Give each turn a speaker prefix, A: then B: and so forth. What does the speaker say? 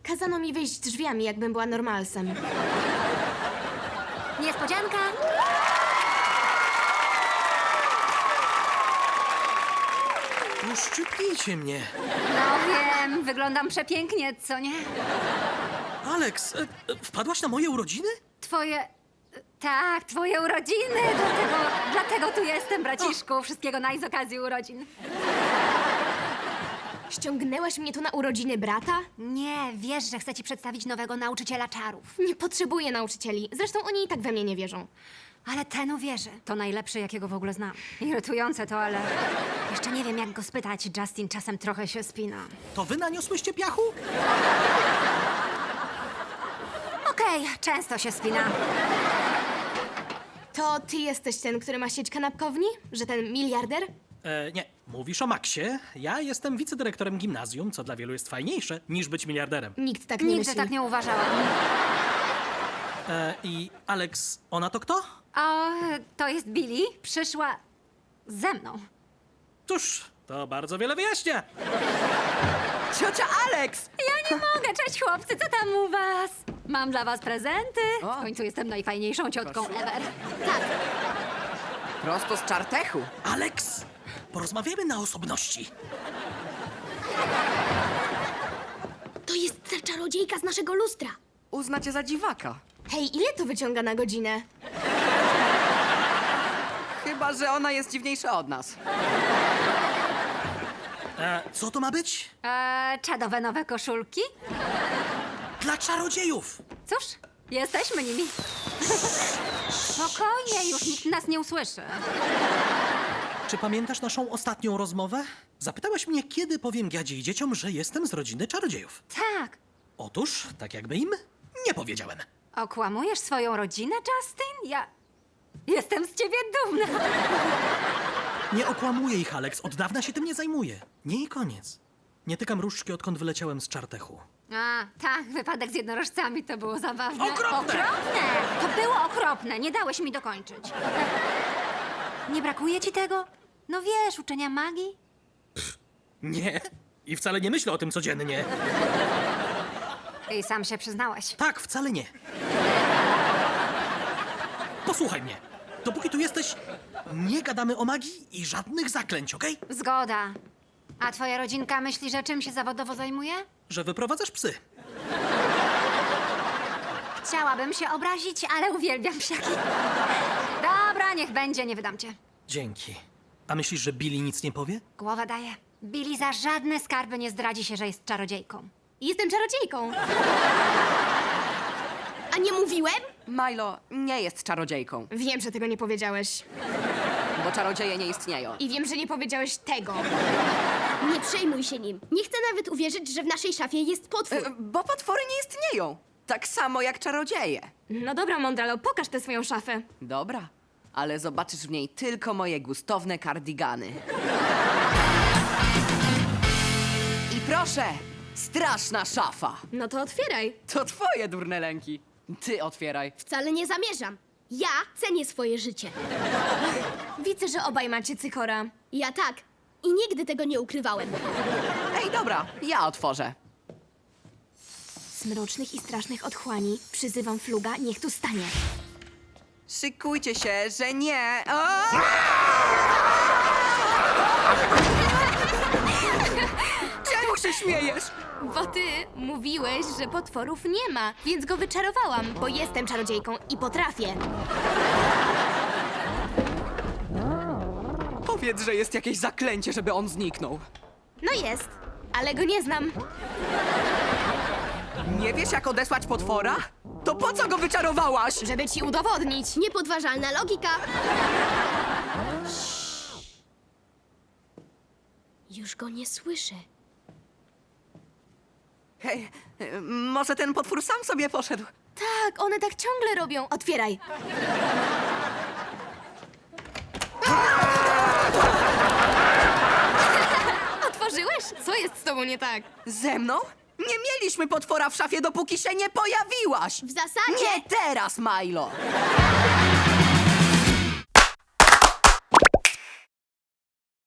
A: Kazano mi wyjść drzwiami, jakbym była normalsem.
B: Niespodzianka!
C: Uszczypnijcie mnie.
B: No wiem, wyglądam przepięknie, co nie?
C: Alex, wpadłaś na moje urodziny?
B: Twoje... Tak, twoje urodziny! Dlatego tu jestem, braciszku. Wszystkiego naj z okazji urodzin.
A: Ściągnęłaś mnie tu na urodziny brata?
B: Nie, wiesz, że chcę ci przedstawić nowego nauczyciela czarów.
A: Nie potrzebuję nauczycieli. Zresztą oni i tak we mnie nie wierzą.
B: Ale ten uwierzy. To najlepszy, jakiego w ogóle znam. Irytujące to, ale... Jeszcze nie wiem, jak go spytać. Justin czasem trochę się spina.
C: To wy naniosłyście piachu?
B: Okej, często się spina.
A: To ty jesteś ten, który ma sieć kanapkowni? Że ten miliarder?
C: Nie, mówisz o Maxie. Ja jestem wicedyrektorem gimnazjum, co dla wielu jest fajniejsze niż być miliarderem.
A: Nikt tak nie
B: Nigdy
A: myśli.
B: tak nie uważałam.
C: I Alex, ona to kto?
B: O, to jest Billy. Przyszła ze mną.
C: Cóż, to bardzo wiele wyjaśnia.
D: Ciocia Alex!
B: Ja nie mogę. Cześć, chłopcy, co tam u was? Mam dla was prezenty.
D: O.
B: W końcu jestem najfajniejszą ciotką ever.
D: Prosto z czartechu.
C: Alex, porozmawiamy na osobności.
E: To jest ta czarodziejka z naszego lustra.
D: Uzna cię za dziwaka.
A: Hej, ile to wyciąga na godzinę?
D: Chyba, że ona jest dziwniejsza od nas.
C: Co to ma być?
B: Czadowe nowe koszulki?
C: Dla czarodziejów.
B: Cóż, jesteśmy nimi. Spokojnie, już nikt nas nie usłyszy.
C: Czy pamiętasz naszą ostatnią rozmowę? Zapytałaś mnie, kiedy powiem Gadzie i dzieciom, że jestem z rodziny czarodziejów.
B: Tak.
C: Otóż, tak jakby im nie powiedziałem.
B: Okłamujesz swoją rodzinę, Justin? Ja... Jestem z ciebie dumna.
C: Nie okłamuję ich, Alex. Od dawna się tym nie zajmuję. Nie i koniec. Nie tykam różdżki, odkąd wyleciałem z czartechu.
B: A, tak, wypadek z jednorożcami to było zabawne.
C: Okropne!
B: Okropne! To było okropne, nie dałeś mi dokończyć. Nie brakuje ci tego? No wiesz, uczenia magii?
C: Nie. I wcale nie myślę o tym codziennie.
B: I sam się przyznałeś.
C: Tak, wcale nie. Posłuchaj mnie. Dopóki tu jesteś, nie gadamy o magii i żadnych zaklęć, okej?
B: Zgoda. A twoja rodzinka myśli, że czym się zawodowo zajmuje?
C: Że wyprowadzasz psy.
B: Chciałabym się obrazić, ale uwielbiam psiaki. Dobra, niech będzie, nie wydam cię.
C: Dzięki. A myślisz, że Billy nic nie powie?
B: Głowa daje. Billy za żadne skarby nie zdradzi się, że jest czarodziejką.
A: Jestem czarodziejką.
E: A nie mówiłem?
D: Milo nie jest czarodziejką,
A: Wiem, że tego nie powiedziałeś.
D: bo czarodzieje nie istnieją.
A: I wiem, że nie powiedziałeś tego.
E: Nie przejmuj się nim. Nie chcę nawet uwierzyć, że w naszej szafie jest potwór.
D: Bo potwory nie istnieją. Tak samo jak czarodzieje.
A: No dobra, Mondralo, pokaż tę swoją szafę.
D: Dobra, ale zobaczysz w niej tylko moje gustowne kardigany. I proszę, straszna szafa.
A: No to otwieraj.
D: To twoje durne lęki. Ty otwieraj.
E: Wcale nie zamierzam. Ja cenię swoje życie.
A: Widzę, że obaj macie cykora.
E: Ja tak. I nigdy tego nie ukrywałem.
D: Ej, dobra, ja otworzę.
A: Z mrocznych i strasznych otchłani przyzywam Fluga, niech tu stanie.
D: Szykujcie się, że nie. O! Czemu się śmiejesz?
A: Bo ty mówiłeś, że potworów nie ma, więc go wyczarowałam, bo jestem czarodziejką i potrafię.
D: Powiedz, że jest jakieś zaklęcie, żeby on zniknął.
A: No jest, ale go nie znam.
D: Nie wiesz, jak odesłać potwora? To po co go wyczarowałaś?
A: Żeby ci udowodnić.
E: Niepodważalna logika. Już go nie słyszę.
D: Hej, może ten potwór sam sobie poszedł?
A: Tak, one tak ciągle robią. Otwieraj. Otworzyłeś? Co jest z tobą nie tak?
D: Ze mną? Nie mieliśmy potwora w szafie, dopóki się nie pojawiłaś!
E: W zasadzie...
D: Nie teraz, Milo!